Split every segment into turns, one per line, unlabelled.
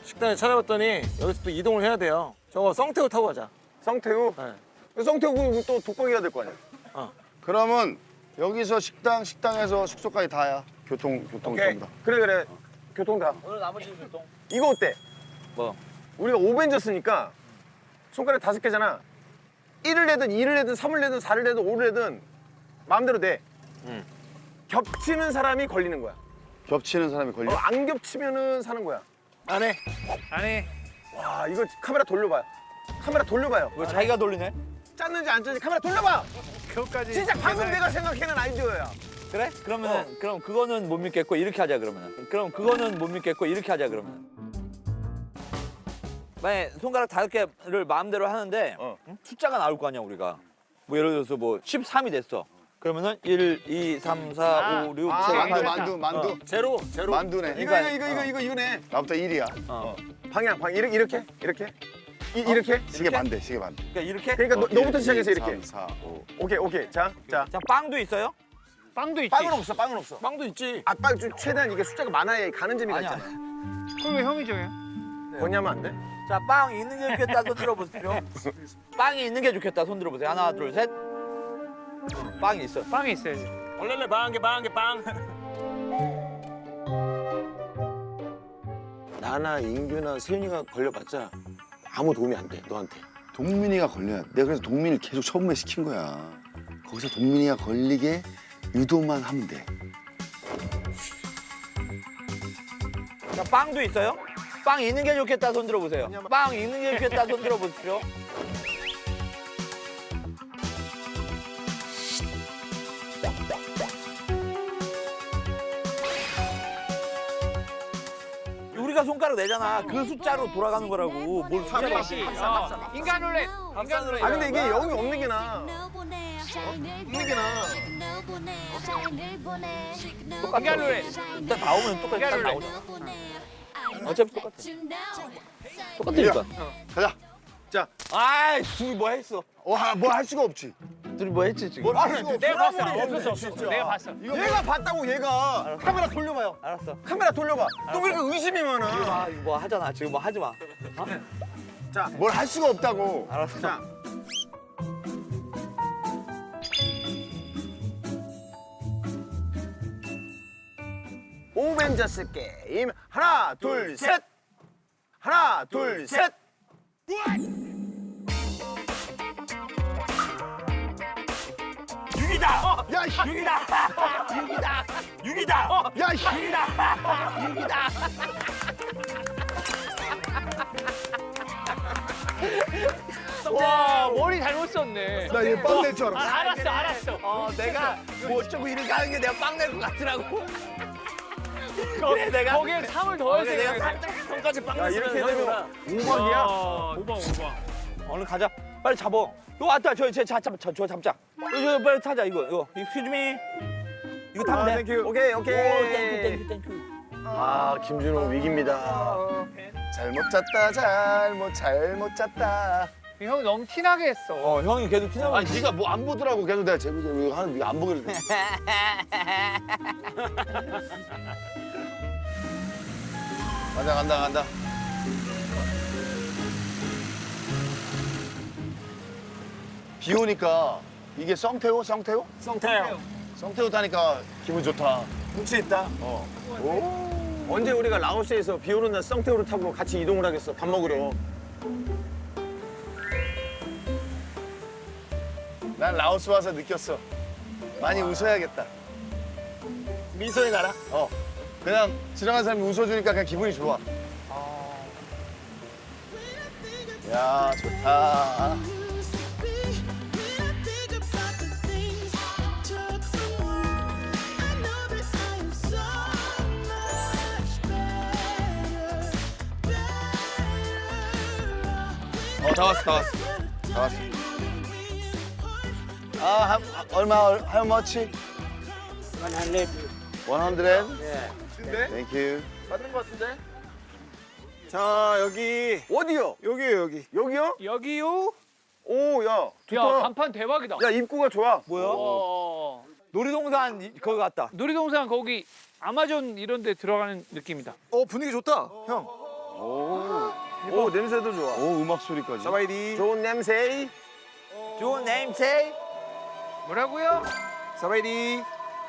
식당에 찾아봤더니 여기서 또 이동을 해야 돼요. 저거 썽태우 타고 가자.
썽태우?
네.
썽태우 또 독박이 해야 될 거 아니야?
그러면 여기서 식당에서 숙소까지 다야. 교통
오케이.
전부 다.
그래. 교통 다.
오늘 나머지 교통.
이거 어때?
뭐?
우리가 오벤져스니까 손가락 5개잖아. 1을 내든 2를 내든 3을 내든 4를 내든 5를 내든 마음대로 돼. 겹치는 사람이 걸리는 거야.
겹치는 사람이 걸려.
안 겹치면은 사는 거야.
안 해.
안 해.
와, 이거 카메라 돌려봐요. 카메라 돌려봐요.
왜 자기가 돌리네?
짰는지 안 짰는지 카메라 돌려봐.
그것까지.
진짜 방금 내가 생각해낸 아이디어야.
그래? 그러면 그럼 그거는 못 믿겠고 이렇게 하자 그러면은. 그럼 그거는 못 믿겠고 이렇게 하자 그러면은. 만약에 손가락 5개를 마음대로 하는데 응? 숫자가 나올 거 아니야 우리가. 뭐 예를 들어서 뭐 13이 됐어. 그러면은 1, 2, 3, 4, 5, 6, 7, 8.
만두.
제로.
만두네.
이거네.
나부터 1이야.
방향 이렇게. 이렇게.
시계 반대, 시계 반대.
그러니까 이렇게?
그러니까 너부터 시작해서
1,
이렇게.
3, 4, 5.
오케이. 자.
자, 빵도 있어요?
빵도 있지.
빵은 없어.
빵도 있지.
빵 좀 최대한 이게 숫자가 많아야 가는 재미가
아니야.
있잖아.
그걸 왜 형이 정해?
거냐면 안 돼?
자, 빵 있는 게 좋겠다 손 들어보십시오. 빵이 있는 게 좋겠다 손 들어보세요. 하나, 둘, 셋. 빵이 있어.
빵이 있어야지.
원래는 빵.
나나 인규나 세윤이가 걸려봤자 아무 도움이 안 돼, 너한테.
동민이가 걸려야 돼. 내가 그래서 동민이를 계속 처음에 시킨 거야. 거기서 동민이가 걸리게 유도만 하면 돼.
자, 빵도 있어요? 빵 있는 게 좋겠다 손 들어보세요. 빵 있는 게 좋겠다 손 들어보십시오. 우리가 손가락 내잖아. 그 숫자로 돌아가는 거라고. 뭘 숫자로
역시. 인간 룰렛. 인간 룰렛.
아 근데 이게 영이 없는 게 나아.
똑같아.
인간 룰렛.
일단 나오면 똑같이 딱
인간 룰렛.
나오잖아. 어차피 똑같아. 똑같으니까.
가자.
아이, 둘이 뭐 했어?
뭐 할 수가 없지.
둘이 뭐 했지 지금?
내가 봤어. 없었어. 내가 봤어.
얘가 봤다고 얘가. 카메라 돌려봐요.
알았어.
카메라 돌려봐. 너 왜 이렇게 의심이 많아?
아, 이거 뭐 하잖아. 지금 뭐 하지 마.
뭘 할 수가 없다고.
알았어.
자. 오벤져스 게임 하나 둘 셋. 하나 둘 셋.
야, 씨.
6이다.
야, 씨.
와 머리 잘못 썼네.
나얘 빵 낼 줄 알았어.
알았어.
내가 뭐 어쩌고 이렇게 하는 게 내가 빵 낼 것 같더라고. 그래 내가
거기에 3을 더해서
내가
해야 돼.
살짝 손까지 빵
야
냈으면
이렇게
형이
되면
뭐라.
5번이야?
5번.
얼른 가자. 빨리 잡어. 너 왔다. 저 잡자. 이거 빨리 타자 이거. 휘즈미. 이거 타면 돼.
오케이
오,
오케이.
땡큐.
아 김준호 위기입니다.
잘못 짰다. 잘못 짰다.
형이 너무 티나게 했어.
형이 걔도 티나고.
아니 네가 뭐 안 보더라고. 계속 내가 재밌게 하는 네가 안 보길래. 간다. 비 오니까 이게 썽태우?
썽태우.
썽태우 타니까 기분 좋다.
눈치 있다. 언제 우리가 라오스에서 비 오는 날 썽태우를 타고 같이 이동을 하겠어 밥 먹으러.
난 라오스 와서 느꼈어. 많이 웃어야겠다.
미소의 나라.
그냥 지나가는 사람이 웃어주니까 그냥 기분이 좋아. 야, 좋다. 다 왔어. 얼마, how much? 100. 100?
근데
Thank you.
맞는 것 같은데? 자 여기 어디요? 여기요?
여기요?
오 야
야
좋다.
간판 대박이다.
야 입구가 좋아.
뭐야?
어.
놀이동산 그거 같다.
놀이동산 거기 아마존 이런 데 들어가는 느낌이다.
분위기 좋다 형. 오, 냄새도 좋아.
오 음악 소리까지.
사바이디.
좋은 냄새.
좋은 냄새.
뭐라고요?
사바이디.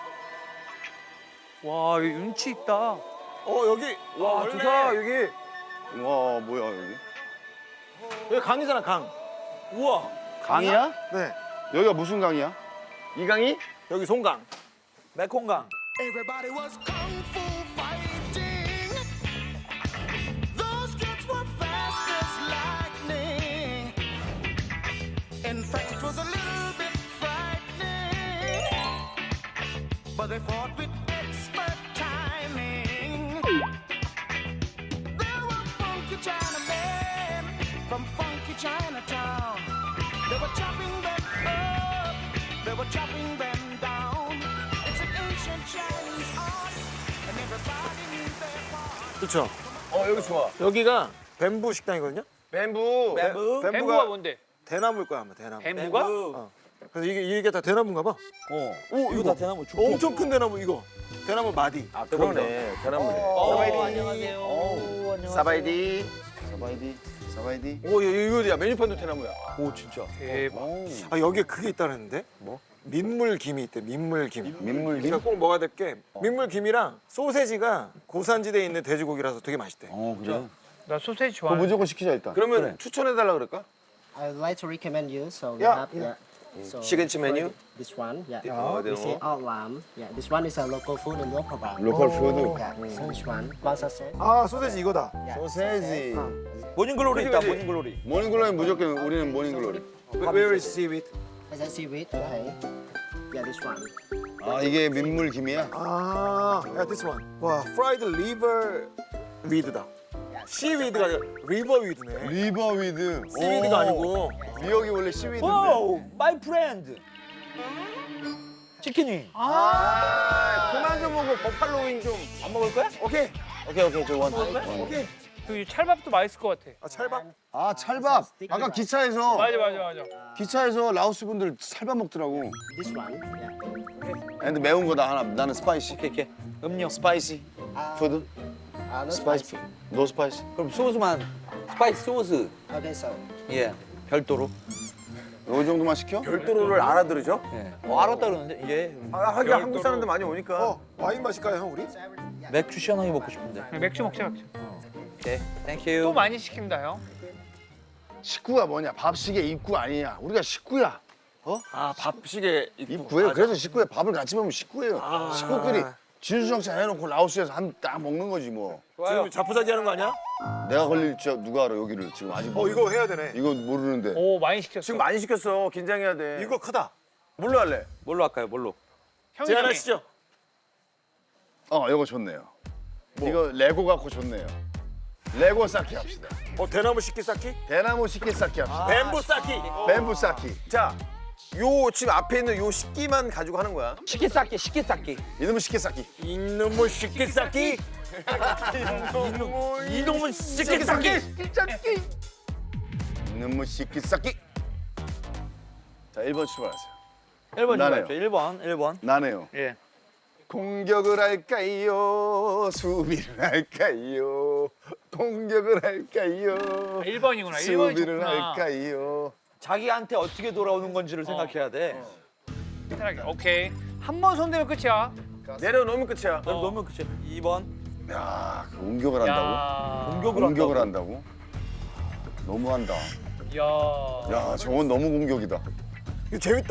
와, 여기 운치 있다.
여기. 와,
원래-
좋다, 여기.
와 뭐야 여기?
여기 강이잖아, 강.
우와.
강이야?
네.
여기가 무슨 강이야?
이강이?
여기 송강.
메콩강.
Everybody was kung fu fighting. Those kids were fast as lightning. In fact, it was a little bit frightening. But they fought with expert timing. There were funky Chinamen from funky Chinatown. They were chopping them up, they were chopping them down. It's an ancient Chinese art, and everybody knew their part.
그렇죠.
여기 좋아.
여기가 뱀부 식당이거든요.
뱀부.
뱀부.
뱀부가 뭔데?
대나무일 거야, 아마 대나무.
뱀부가?
그래서 이게 다 대나무인가 봐.
오, 이거 다 대나무 죽.
엄청 큰 대나무 이거. 대나무 마디.
아, 그러네. 대나무네.
안녕하세요. 안녕하세요.
사바이디.
사바이디.
오, 이거 야 메뉴판도 대나무야.
오, 진짜.
대박.
아, 여기에 그게 있다는데? 뭐? 민물김이 있대, 민물김.
민물김?
그러니까 꼭 먹어야 될 게 민물김이랑 소세지가 고산지대에 있는 돼지고기라서 되게 맛있대.
그래.
나 소세지
그거
좋아해.
무조건 시키자 일단.
그러면 추천해달라 그럴까?
I'd like to recommend you. So we
Yeah.
have so
Signature
for
menu?
This one, yeah.
Oh,
We say out lamb. Yeah, this one is a local food in Luang Prabang.
로컬 푸드.
Yeah, so this one, bangsa set.
아, 소세지 이거다.
소세지.
모닝글로리 있다.
그지, 그지?
모닝글로리.
모닝글로리 무조건 우리는 모닝글로리.
Where is seaweed?
Is that seaweed? Okay. Yeah, this one.
아 이게 민물김이야?
아, 야, this one. 와, fried liver weed다. seaweed가 아니라 river weed네.
리버위드.
seaweed가 아니고.
미역이 원래 시위드인데.
오, 마이 프렌드. 치킨이.
그만 좀 먹고 버팔로 윙 좀.
안 먹을 거야?
오케이.
오케이 저 원.
오케이.
그 찰밥도 맛있을 것 같아.
아, 찰밥.
아 찰밥. 아까 기차에서
맞아.
라오스 분들 찰밥 먹더라고.
This one. Yeah.
근데 매운 거다 하나. 나는 스파이시.
이렇게. 음료.
스파이시. 푸드.
No
스파이시.
spicy.
노 스파이시.
그럼 소스만 스파이스 소스.
Okay, so
예. 별도로.
요 정도만 시켜?
별도로를 알아들으죠?
예. 알았다 그러는데 이제
하긴 한국 사람들 많이 오니까.
와인 마실까요, 형, 우리?
맥주 시원하게 먹고 싶은데.
맥주 먹자.
오케이. 땡큐.
또 많이 시킵니다, 형.
식구가 뭐냐? 밥식의 입구 아니냐? 우리가 식구야.
아, 밥식에
입구예요. 그래서 식구에 밥을 같이 먹으면 식구예요.
아.
식구끼리 진수성찬 해놓고 라오스에서 딱 먹는 거지 뭐.
지금 자포자기 하는 거 아니야?
내가 걸릴지 누가 알아 여기를 지금 아직
이거 해야 되네.
이거 모르는데.
오, 많이 시켰어.
지금 많이 시켰어. 긴장해야 돼.
이거 크다.
뭘로 할래?
뭘로 할까요? 뭘로?
형이
제안하시죠.
이거 좋네요. 이거 레고 갖고 좋네요. 레고 쌓기 합시다.
대나무 식기 쌓기?
대나무 식기 쌓기 합시다.
뱀부 쌓기.
뱀부 쌓기.
자, 요 지금 앞에 있는 요 식기만 가지고 하는 거야.
식기 쌓기, 식기 쌓기.
이놈의 식기 쌓기.
이놈의 식기 쌓기. 이놈의 식기 쌓기.
이놈의 식기 쌓기. 자, 1번 출발하세요.
1번
나네요.
주죠. 1번.
나네요.
예.
공격을 할까요? 수비를 할까요? 공격을 할까요?
1번이구나. 1번이
수비를
좋구나.
할까요?
자기한테 어떻게 돌아오는 건지를 생각해야 돼.
편하게. 오케이. 한 번 손대면 끝이야.
내려놓으면 끝이야.
그럼 너무 그치. 2번.
야, 그 공격을 한다고?
야.
공격을 한다고? 너무한다.
야.
야, 저건 너무 공격이다.
이거 재밌다.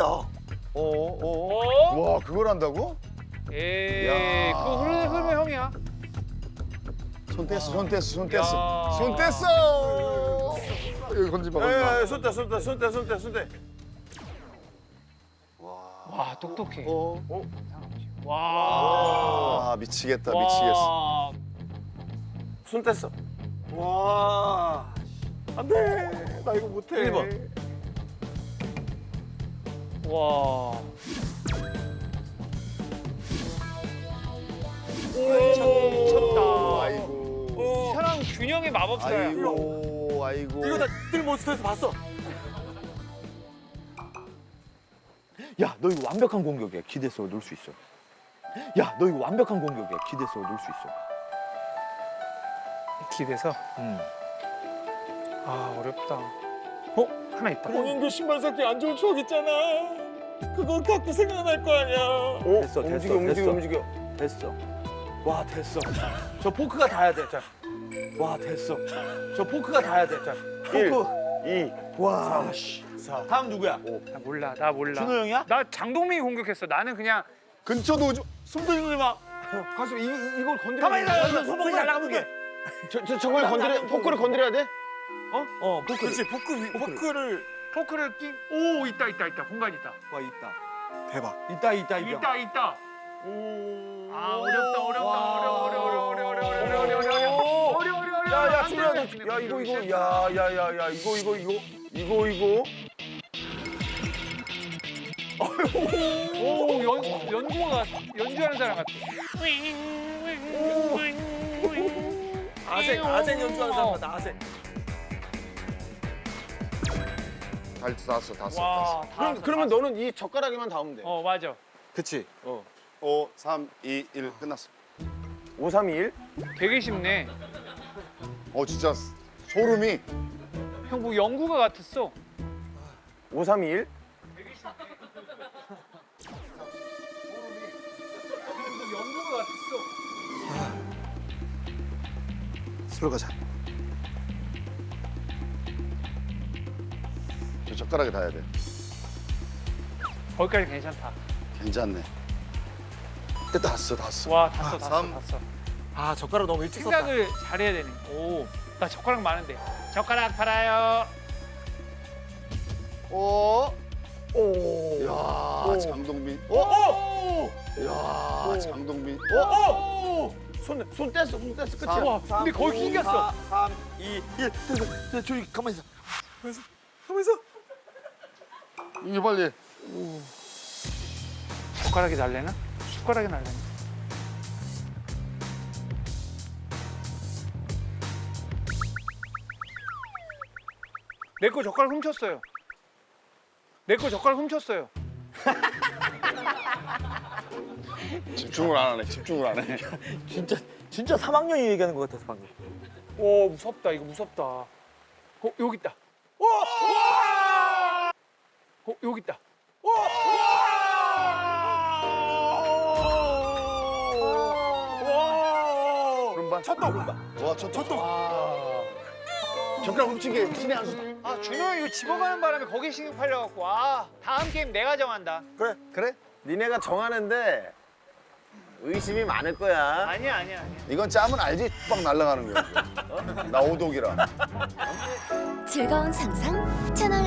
어?
와, 그걸 한다고?
에이,
야.
그거 흐르면 형이야.
손 뗐어.
야.
손 뗐어. 여기 건지마, 건지마.
에, 손대.
와, 똑똑해.
어?
와.
아, 미치겠다,
와.
미치겠어.
손 뗐어.
와. 안 돼. 나 이거 못해.
1번.
와. 미쳤다.
아이고.
이 사람 균형의 마법사야.
아이고.
이거 나 뜰몬스터에서 봤어.
야, 너 이거 완벽한 공격이야. 기대서 넣을 수 있어. 야, 너 이거 완벽한 공격이야. 기대서 넣을 수 있어.
이렇게 돼서. 아 어렵다. 하나 있다.
본인도 신발 샀기 안 좋은 추억 있잖아. 그거 갖고 생각날 거 아니야.
됐어, 됐어,
움직여
됐어.
움직여.
됐어. 와 됐어. 저 포크가 닿아야 돼. 자. 와 됐어. 저 포크가 닿아야 돼. 자.
1,
포크.
2,
와 씨. 다음 누구야?
나 몰라. 나 몰라.
준호 형이야?
나 장동민이 공격했어. 나는 그냥
근처도 오지.
숨도 쉬지 마.
가수 이걸 건드려.
가만히 있어. 손목이 잘 나가면 돼.
저걸 건드려 포크를 건드려야 돼?
포크.
그렇지 포크를
포크를 끼. 오 있다. 공간 있다.
와 있다.
대박.
있다.
있다. 아 어렵다.
야야 준호야 너, 야 이거 야야야야 이거
오 연주가 연주하는 사람 같아.
아생 연주하는 사람 나 아생.
다 써.
와.
그러면 너는 이 젓가락에만 닿으면 돼.
맞아.
그치.
5, 3, 2, 1 끝났어.
5, 3, 2, 1.
되게 쉽네.
진짜 소름이.
형 뭐 연구가 같았어.
5, 3, 2, 1.
연구가 같았어.
술로 가자.
저 젓가락에 닿아야 돼.
거기까지 괜찮다.
괜찮네. 다 왔어.
와 다
삼.
써.
아 젓가락 너무 일찍 썼다.
생각을 잘해야 되네. 나 젓가락 많은데. 젓가락 팔아요.
야, 장동민. 야, 장동민.
손 뗐어 끝이야.
와 근데 거기 낑겼어.
3, 2, 1. 됐어. 조용히 가만히 있어.
하면서
이게 빨리.
젓가락이 날래나? 숟가락이 날래나? 내 거 젓가락 훔쳤어요.
집중을 안 하네.
진짜 3학년이 얘기하는 것 같아서 방금.
오 무섭다. 이거 무섭다. 여기 있다. 여기 있다.
오른발.
와, 첫
젓가락 훔친 게 신의 한 수.
아 준호 형 이거 집어가는 바람에 거기 신경 팔려갖고 다음 게임 내가 정한다.
그래? 니네가 정하는데 의심이 많을 거야.
아니야.
이건 짜면 알지? 빡 날아가는 거야. 나 오독이라.
즐거운 상상 채널